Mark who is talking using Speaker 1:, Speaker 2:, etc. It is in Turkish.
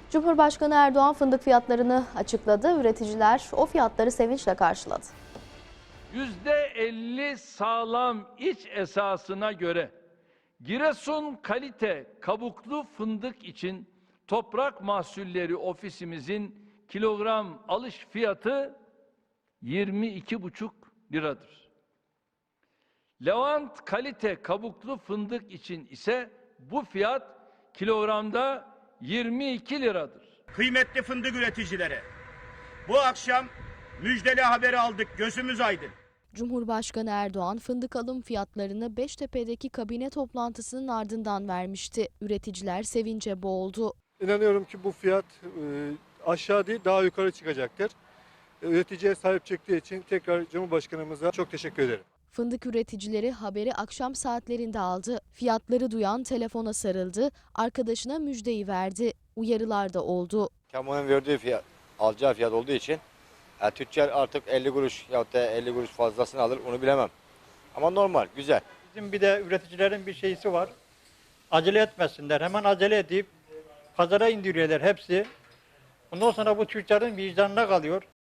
Speaker 1: Cumhurbaşkanı Erdoğan fındık fiyatlarını açıkladı. Üreticiler o fiyatları sevinçle karşıladı.
Speaker 2: %50 sağlam iç esasına göre Giresun kalite kabuklu fındık için Toprak Mahsulleri Ofisimizin kilogram alış fiyatı 22,5 liradır. Levant kalite kabuklu fındık için ise bu fiyat kilogramda 22 liradır.
Speaker 3: Kıymetli fındık üreticileri, bu akşam müjdeli haberi aldık, gözümüz aydın.
Speaker 1: Cumhurbaşkanı Erdoğan fındık alım fiyatlarını Beştepe'deki kabine toplantısının ardından vermişti. Üreticiler sevince boğuldu.
Speaker 4: İnanıyorum ki bu fiyat aşağı değil daha yukarı çıkacaktır. Üreticiye sahip çıktığı için tekrar Cumhurbaşkanımıza çok teşekkür ederim.
Speaker 1: Fındık üreticileri haberi akşam saatlerinde aldı. Fiyatları duyan telefona sarıldı, arkadaşına müjdeyi verdi. Uyarılar da oldu.
Speaker 5: Kamunun verdiği fiyat, alacağı fiyat olduğu için tüccar artık 50 kuruş ya da 50 kuruş fazlasını alır onu bilemem. Ama normal, güzel.
Speaker 6: Bizim bir de üreticilerin bir şeysi var. Acele etmesinler. Hemen acele edip pazara indiriyorlar hepsi. Ondan sonra bu tüccarın vicdanına kalıyor.